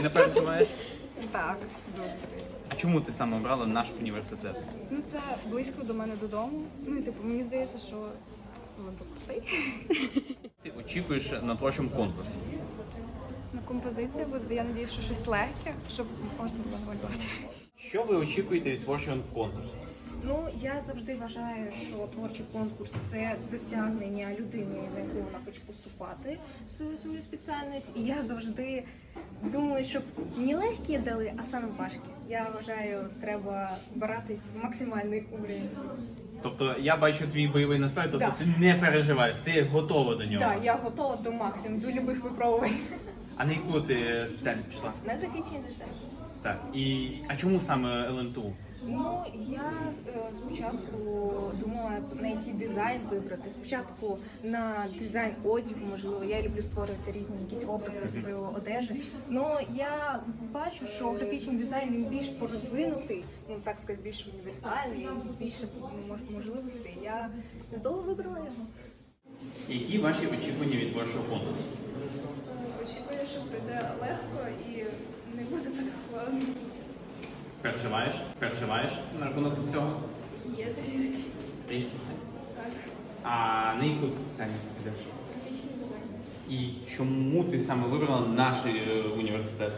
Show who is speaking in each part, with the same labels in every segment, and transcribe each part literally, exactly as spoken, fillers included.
Speaker 1: Сильно переживаєш?
Speaker 2: Так, дуже сильно.
Speaker 1: А чому ти саме обрала наш університет?
Speaker 2: Ну це близько до мене додому. Ну і типу, мені здається, що він крутий.
Speaker 1: Ти очікуєш на творчому конкурсі?
Speaker 2: На композиція буде, я сподіваюся, що щось легке, щоб можна було намалювати.
Speaker 1: Що ви очікуєте від творчого конкурсу?
Speaker 3: Ну, я завжди вважаю, що творчий конкурс – це досягнення людини, на яку вона хоче поступати в свою, свою спеціальність. І я завжди думаю, щоб не легкі дали, а саме важкі. Я вважаю, треба братись в максимальний уровень.
Speaker 1: Тобто я бачу твій бойовий настрой, тобто
Speaker 3: Да.
Speaker 1: ти не переживаєш, ти готова до нього.
Speaker 3: Так, я готова до максимуму, до будь-яких випробувань.
Speaker 1: А на яку ти спеціальність пішла?
Speaker 3: На графічний дизайн.
Speaker 1: Так. І а чому саме ел ен те у?
Speaker 3: Ну, я е, спочатку думала, на який дизайн вибрати. Спочатку на дизайн одягу, можливо, я люблю створювати різні якісь образи своєї одежі. Ну, я бачу, що графічний дизайн він більш продвинутий, ну так сказати, більш універсальний, більше мож- можливостей. Я здорово вибрала його.
Speaker 1: Які ваші очікування від творчого конкурсу?
Speaker 2: Очікую, що прийде легко і не буде так складно.
Speaker 1: Переживаєш? Переживаєш на рахунок цього?
Speaker 2: Є трішки.
Speaker 1: Трішки.
Speaker 2: Так,
Speaker 1: А на яку ти спеціальність йдеш?
Speaker 2: графічний дизайн.
Speaker 1: І чому ти саме вибрала наш е, університет?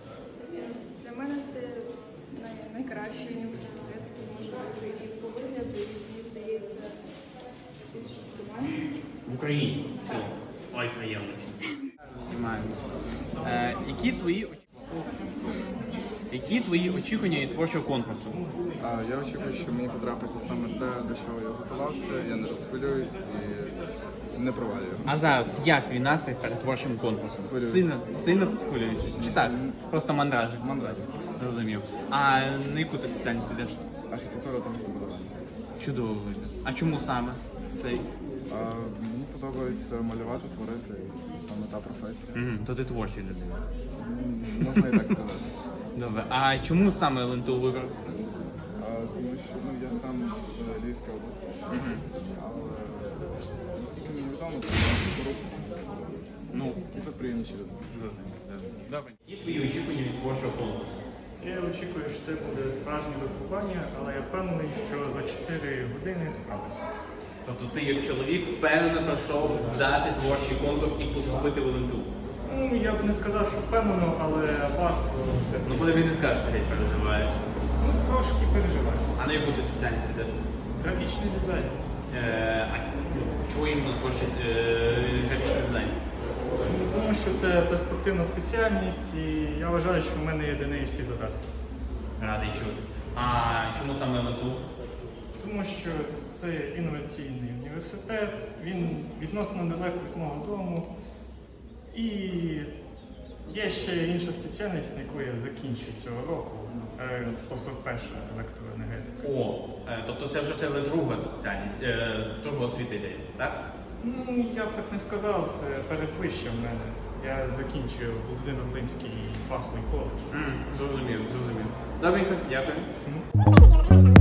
Speaker 2: Для мене це най- найкращий університет, який може бути і по вигляду, і мені здається, більш оптимальний.
Speaker 1: В Україні в цілому. Ой, приємно. Знімаємо. Е, які твої очі- Які твої очікування від творчого конкурсу?
Speaker 4: А, я очікую, що мені потрапиться саме те, до чого я готувався, я не розхвилююсь і не провалюю.
Speaker 1: А зараз як твій настрій перед творчим конкурсом?
Speaker 4: Хвилююсь.
Speaker 1: Сильно, сильно хвилюєшся? Чи так? Просто мандражик?
Speaker 4: Мандраж.
Speaker 1: Зрозумів. А на яку ти спеціальність йдеш?
Speaker 4: Архітектура та містобудування.
Speaker 1: Чудово вибір. А чому саме цей?
Speaker 4: А, мені подобається малювати, творити, і це саме та професія.
Speaker 1: Угу, то ти творчий людина.
Speaker 4: М, Можна і так сказати.
Speaker 1: Добре. А чому саме ел ен те у вибрав?
Speaker 4: А, тому що ну, я сам з Львівської області, але наскільки мені відомо, то корупція.
Speaker 1: Ну,
Speaker 4: І тут приємніші люди.
Speaker 1: добре. Які твої очікування від творчого конкурсу?
Speaker 5: Я очікую, що це буде справжнє випробування, але я впевнений, що за чотири години справлюсь.
Speaker 1: Тобто ти як чоловік впевнено пройшов здати творчий конкурс і поступити в ел ен те у?
Speaker 5: Ну, я б не сказав, що впевнено, але варто це.
Speaker 1: Ну, коли він не скаже, ти геть переживаєш.
Speaker 5: Ну, трошки переживаю.
Speaker 1: А на яку ти спеціальність йдеш?
Speaker 5: Графічний дизайн.
Speaker 1: Е, а ну, чого іменно творчий е, графічний дизайн?
Speaker 5: Ну, тому що це перспективна спеціальність, і я вважаю, що в мене є до неї всі задатки.
Speaker 1: Радий чути. А чому саме ел ен те у?
Speaker 5: Тому що це інноваційний університет, він відносно недалеко від мого дому. І є ще інша спеціальність, яку я закінчу цього року, е, сто сорок перша електроенергетика.
Speaker 1: О, е, тобто це вже в тебе друга спеціальність, е, друга освіта йде, так?
Speaker 5: Ну, я б так не сказав, це передвище в мене. Я закінчую Володимир-Линський фаховий коледж.
Speaker 1: М, Зрозумів, зрозумів. Добренько, дякую.
Speaker 5: Мгм.